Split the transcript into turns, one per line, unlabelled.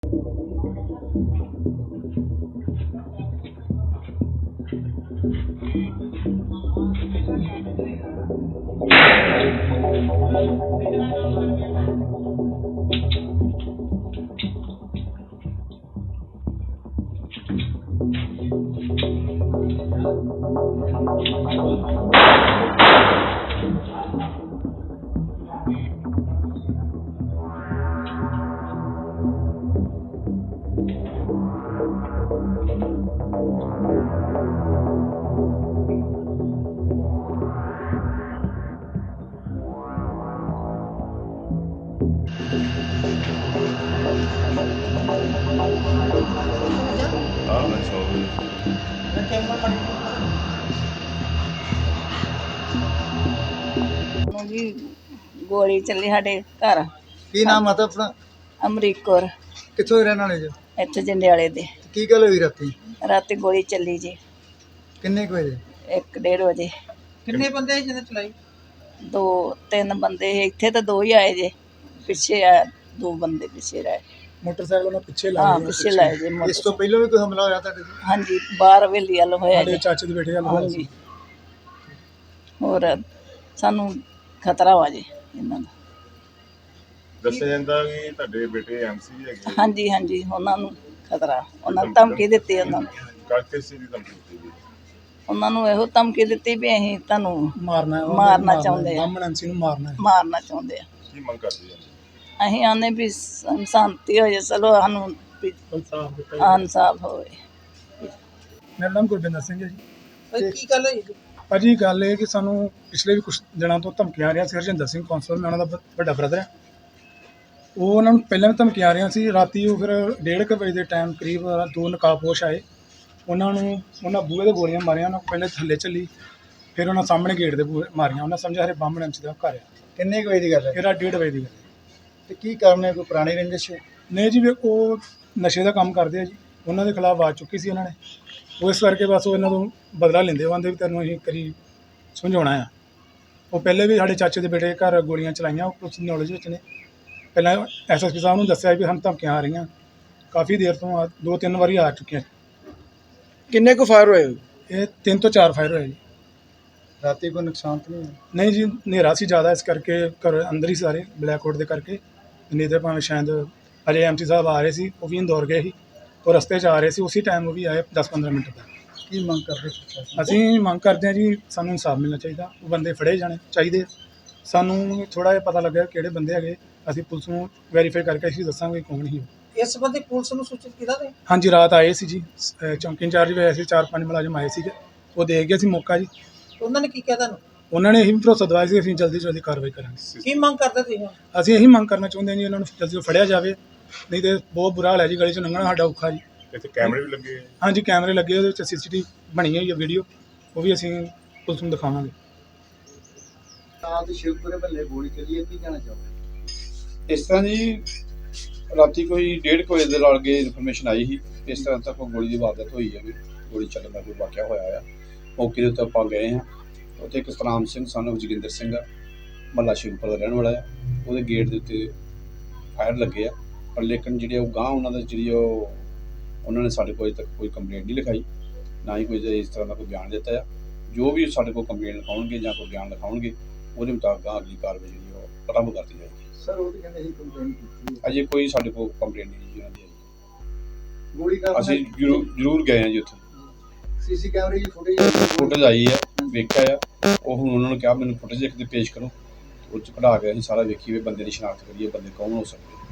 जी गोली चली साडे घर।
की नाम आता अपना?
अमरीक कौर।
कित्थों दे रहने वाले जो?
इत्थे जंडियाले दे।
की गल हुई राती?
राती गोली चली जी
किन्ने कुछ बजे?
1-1:30 बजे।
किन्ने बंदे ही जिन्हें चलाई?
2-3 बंदे इत्थे तो 2 ही आए जे, पिछे आ 2 बंदे पिछे रहे।
मोटरसाइकिल में पिछे
हाँ पिछे लाए जे
इस तो पहले भी कोई हमला होया तुहाडे ते?
हाँ जी बाहर हवेली वाल होया जे।
चाचे दे बेटे
हाँ जी होर सानू खतरा वा जी इन्हां दा।
ਦੱਸਿਆ ਜਾਂਦਾ ਕਿ ਤੁਹਾਡੇ ਬੇਟੇ ਐਮਸੀ ਹੈਗੇ
हाँ जी हाँ जी उन्हां नू खतरा, उन्हां धमकी दित्ती उन्हां नू।
ਕਾਕੇ ਸੀ ਦੀ ਧਮਕੀ ਦਿੱਤੀ ਗਈ
ਉਹਨਾਂ ਨੂੰ ਇਹੋ ਧਮਕੀ ਦਿੱਤੀ ਵੀ ਅਸੀਂ ਤੁਹਾਨੂੰ ਮਾਰਨਾ ਚਾਹੁੰਦੇ ਆ, ਮਾਰਨਾ ਚਾਹੁੰਦੇ ਆ।
ਕੀ ਮੰਗ ਕਰਦੇ ਜੀ?
ਅਸੀਂ ਆਨੇ ਵੀ ਸ਼ਾਂਤੀ ਹੋ ਜਾਏ, ਚਲੋ ਸਾਨੂੰ ਵੀ ਇਨਸਾਫ ਹੋਵੇ।
ਮੇਰਾ ਨਾਮ ਗੁਰਬਿੰਦਰ ਸਿੰਘ ਹੈ ਜੀ।
की गल होई?
ਭਾਜੀ ਗੱਲ ਇਹ ਕਿ ਸਾਨੂੰ ਪਿਛਲੇ ਵੀ ਕੁਝ ਦਿਨਾਂ ਤੋਂ ਧਮਕੀਆਂ ਆ ਰਹੀਆਂ ਸੀ। ਹਰਜਿੰਦਰ ਸਿੰਘ ਕੌਂਸਲ, ਮੈਂ ਉਹਨਾਂ ਦਾ ਵੱਡਾ ਬ੍ਰਦਰ ਹੈ। ਉਹ ਉਹਨਾਂ ਨੂੰ ਪਹਿਲਾਂ ਵੀ ਧਮਕੀਆਂ ਆ ਰਹੀਆਂ ਸੀ। ਰਾਤੀ ਉਹ ਫਿਰ 1:30 ਵਜੇ ਦੇ ਟਾਈਮ ਕਰੀਬ 2 ਨਕਾਬਪੋਸ਼ ਆਏ। ਉਹਨਾਂ ਬੂਹੇ ਦੇ ਗੋਲੀਆਂ ਮਾਰੀਆਂ। ਉਹਨਾਂ ਪਹਿਲੇ ਥੱਲੇ ਚੱਲੀ, ਫਿਰ ਉਹਨਾਂ ਸਾਹਮਣੇ ਗੇਟ ਦੇ ਬੂਹੇ ਮਾਰੀਆਂ। ਉਹਨਾਂ ਸਮਝਿਆ ਹਰੇ ਬਾਹਮਣ ਐਮਸੀ ਦਾ ਘਰ ਆ।
ਕਿੰਨੇ ਕੁ ਵਜੇ ਦੀ ਗੱਲ ਹੈ?
ਫਿਰ 1:30 ਵਜੇ ਦੀ ਗੱਲ।
ਤੇ ਕੀ ਕਾਰਨ ਹੈ? ਕੋਈ ਪੁਰਾਣੀ ਰੰਜਿਸ਼?
ਨਹੀਂ ਜੀ, ਵੀ ਉਹ ਨਸ਼ੇ ਦਾ ਕੰਮ ਕਰਦੇ ਆ ਜੀ। ਉਹਨਾਂ ਦੇ ਖਿਲਾਫ ਆਵਾਜ਼ ਚੁੱਕੀ ਸੀ ਉਹਨਾਂ ਨੇ। ਉਹ ਇਸ ਕਰਕੇ ਬਸ ਉਹ ਇਹਨਾਂ ਤੋਂ ਬਦਲਾ ਲੈਂਦੇ। ਉਹ ਆਂਦੇ ਵੀ ਤੈਨੂੰ ਅਸੀਂ ਕਰੀ ਸਮਝਾਉਣਾ ਆ। ਉਹ ਪਹਿਲੇ ਵੀ ਸਾਡੇ ਚਾਚੇ ਦੇ ਬੇਟੇ ਘਰ ਗੋਲੀਆਂ ਚਲਾਈਆਂ। ਉਹ ਪੁਲਿਸ ਨੌਲੇਜ ਵਿੱਚ ਨੇ। ਪਹਿਲਾਂ ਐਸਐਸਪੀ ਸਾਹਿਬ ਨੂੰ ਦੱਸਿਆ ਵੀ ਸਾਨੂੰ ਧਮਕੀਆਂ ਆ ਰਹੀਆਂ। ਕਾਫੀ ਦੇਰ ਤੋਂ 2-3 ਵਾਰੀ ਆ ਚੁੱਕੀਆਂ।
ਕਿੰਨੇ ਕੁ ਫਾਇਰ ਹੋਏ?
ਇਹ 3 ਤੋਂ 4 ਫਾਇਰ ਹੋਏ ਜੀ।
ਰਾਤੀ ਕੋਈ ਨੁਕਸਾਨ ਤਾਂ ਨਹੀਂ ਹੋਇਆ?
ਨਹੀਂ ਜੀ, ਹਨੇਰਾ ਸੀ ਜ਼ਿਆਦਾ, ਇਸ ਕਰਕੇ ਘਰ ਅੰਦਰ ਹੀ ਸਾਰੇ ਬਲੈਕਆਊਟ ਦੇ ਕਰਕੇ। ਨਹੀਂ ਤਾਂ ਭਾਵੇਂ ਸ਼ਾਇਦ ਅਜੇ ਐਮਸੀ ਸਾਹਿਬ ਆ ਰਹੇ ਸੀ, ਉਹ ਵੀ ਇੰਦੌਰ ਗਏ ਸੀ। ਉਹ ਰਸਤੇ 'ਚ ਆ ਰਹੇ ਸੀ, ਉਸੇ ਟਾਈਮ ਉਹ ਵੀ ਆਏ 10-15 ਮਿੰਟ ਤੱਕ।
ਕੀ ਮੰਗ ਕਰਦੇ ਪ੍ਰਸ਼ਾਸਨ?
ਅਸੀਂ ਮੰਗ ਕਰਦੇ ਹਾਂ ਜੀ, ਸਾਨੂੰ ਇਨਸਾਫ ਮਿਲਣਾ ਚਾਹੀਦਾ। ਉਹ ਬੰਦੇ ਫੜੇ ਜਾਣੇ ਚਾਹੀਦੇ। ਸਾਨੂੰ ਥੋੜ੍ਹਾ ਜਿਹਾ ਪਤਾ ਲੱਗਾ ਕਿਹੜੇ ਬੰਦੇ ਹੈਗੇ। ਅਸੀਂ ਪੁਲਿਸ ਨੂੰ ਵੈਰੀਫਾਈ ਕਰਕੇ ਅਸੀਂ ਦੱਸਾਂਗੇ ਕੌਣ ਸੀ।
इस संबंधी पुलिस ਨੂੰ ਸੂਚਿਤ ਕੀਤਾ ਤੇ?
ਹਾਂਜੀ ਰਾਤ ਆਏ ਸੀ ਜੀ, ਚੌਂਕੀ ਇੰਚਾਰਜ ਵੀ ਆਏ ਸੀ। 4-5 ਮੁਲਾਜ਼ਮ ਆਏ ਸੀਗੇ। ਉਹ ਦੇਖ ਗਏ ਸੀ ਮੌਕਾ ਜੀ।
ਉਹਨਾਂ ਨੇ ਕੀ ਕਿਹਾ ਤੁਹਾਨੂੰ?
ਉਹਨਾਂ ਨੇ ਇਹੀ ਭਰੋਸਾ ਦਵਾਇਆ ਸੀ ਅਸੀਂ ਜਲਦੀ ਤੋਂ ਜਲਦੀ ਕਾਰਵਾਈ ਕਰਾਂਗੇ।
ਕੀ ਮੰਗ ਕਰਦੇ ਤੁਸੀਂ?
ਅਸੀਂ ਇਹੀ ਮੰਗ ਕਰਨਾ ਚਾਹੁੰਦੇ ਹਾਂ ਜੀ, ਉਹਨਾਂ ਨੂੰ ਜਲਦੀ ਤੋਂ ਫੜਿਆ ਜਾਵੇ। ਨਹੀਂ ਤੇ ਬਹੁਤ ਬੁਰਾ ਹਾਲ ਹੈ ਜੀ, ਗਲੀ 'ਚੋਂ ਲੰਘਣਾ ਸਾਡਾ ਔਖਾ ਜੀ।
ਇੱਥੇ ਕੈਮਰੇ ਵੀ ਲੱਗੇ?
ਹਾਂਜੀ ਕੈਮਰੇ ਲੱਗੇ, ਉਹਦੇ ਵਿੱਚ CCTV ਬਣੀ ਹੋਈ ਹੈ ਵੀਡੀਓ, ਉਹ ਵੀ ਅਸੀਂ ਪੁਲਿਸ ਨੂੰ ਦਿਖਾਵਾਂਗੇ।
ਰਾਤ ਸ਼ਿਵਪੁਰੇ ਮਹੱਲੇ ਗੋਲੀ ਚੱਲੀ ਹੈ, ਕੀ ਕਹਿਣਾ ਚਾਹੋਗੇ?
ਇਸ ਤਰ੍ਹਾਂ ਜੀ, ਰਾਤੀ ਕੋਈ 1:30 ਵਜੇ ਦੇ ਨਾਲ ਕੇ ਇਨਫੋਰਮੇਸ਼ਨ ਆਈ ਸੀ ਇਸ ਤਰ੍ਹਾਂ ਤੱਕ ਗੋਲੀ ਦੀ ਵਾਰਦਾਤ ਹੋਈ ਹੈ, ਵੀ ਗੋਲੀ ਚੱਲਣ ਦਾ ਕੋਈ ਵਾਕਿਆ ਹੋਇਆ ਆ। ਮੌਕੇ ਦੇ ਉੱਤੇ ਆਪਾਂ ਗਏ ਹਾਂ। ਉੱਥੇ ਇੱਕ ਸਤਨਾਮ ਸਿੰਘ ਸਾਨੂੰ ਜੋਗਿੰਦਰ ਸਿੰਘ ਆ, ਮਹੱਲਾ ਸ਼ਿਵਪੁਰ ਦਾ ਰਹਿਣ ਵਾਲਾ ਆ। ਉਹਦੇ ਗੇਟ ਦੇ ਉੱਤੇ ਫਾਇਰ ਲੱਗੇ ਆ, ਪਰ ਲੇਕਿਨ ਜਿਹੜੇ ਉਹ ਗਾਂਹ ਉਹਨਾਂ ਦਾ ਉਹਨਾਂ ਨੇ ਸਾਡੇ ਕੋਲ ਅਜੇ ਤੱਕ ਕੋਈ ਕੰਪਲੇਂਟ ਨਹੀਂ ਲਿਖਾਈ, ਨਾ ਹੀ ਕੋਈ ਇਸ ਤਰ੍ਹਾਂ ਦਾ ਕੋਈ ਬਿਆਨ ਦਿੱਤਾ ਆ। ਜੋ ਵੀ ਸਾਡੇ ਕੋਲ ਕੰਪਲੇਂਟ ਲਿਖਾਉਣਗੇ ਜਾਂ ਕੋਈ ਬਿਆਨ ਲਿਖਾਉਣਗੇ, ਉਹਦੇ ਮੁਤਾਬਕ ਅਗਲੀ ਕਾਰਵਾਈ ਜਿਹੜੀ ਉਹ ਪ੍ਰਾਰੰਭ ਕਰਤੀ ਜਾਏਗੀ।
ਸਰ ਉਹ ਤਾਂ ਕਹਿੰਦੇ ਸੀ ਕੰਪਲੇਂਟ ਕੀਤੀ ਹੈ।
ਅਜੇ ਕੋਈ ਸਾਡੇ ਕੋਲ ਕੰਪਲੇਂਟ ਨਹੀਂ ਜੀ ਉਹਨਾਂ ਦੀ ਆਈ।
ਗੋਲੀ ਕਾਰਨ
ਅਸੀਂ ਜ਼ਰੂਰ ਗਏ ਹਾਂ ਜੀ ਉੱਥੇ।
ਸੀਸੀ ਕੈਮਰੇ ਦੀ
ਫੁਟੇਜ ਆਈ ਹੈ, ਵੇਖਿਆ ਆ। ਉਹ ਹੁਣ ਉਹਨਾਂ ਨੂੰ ਕਿਹਾ ਮੈਨੂੰ ਫੁਟੇਜ ਇੱਕ ਤੇ ਪੇਸ਼ ਕਰੋ, ਉਹ 'ਚ ਕਢਾ ਕੇ ਅਸੀਂ ਸਾਰਾ ਵੇਖੀਏ, ਬੰਦੇ ਦੀ ਸ਼ਨਾਖਤ ਕਰੀਏ, ਬੰਦੇ ਕੌਣ ਹੋ ਸਕਦੇ।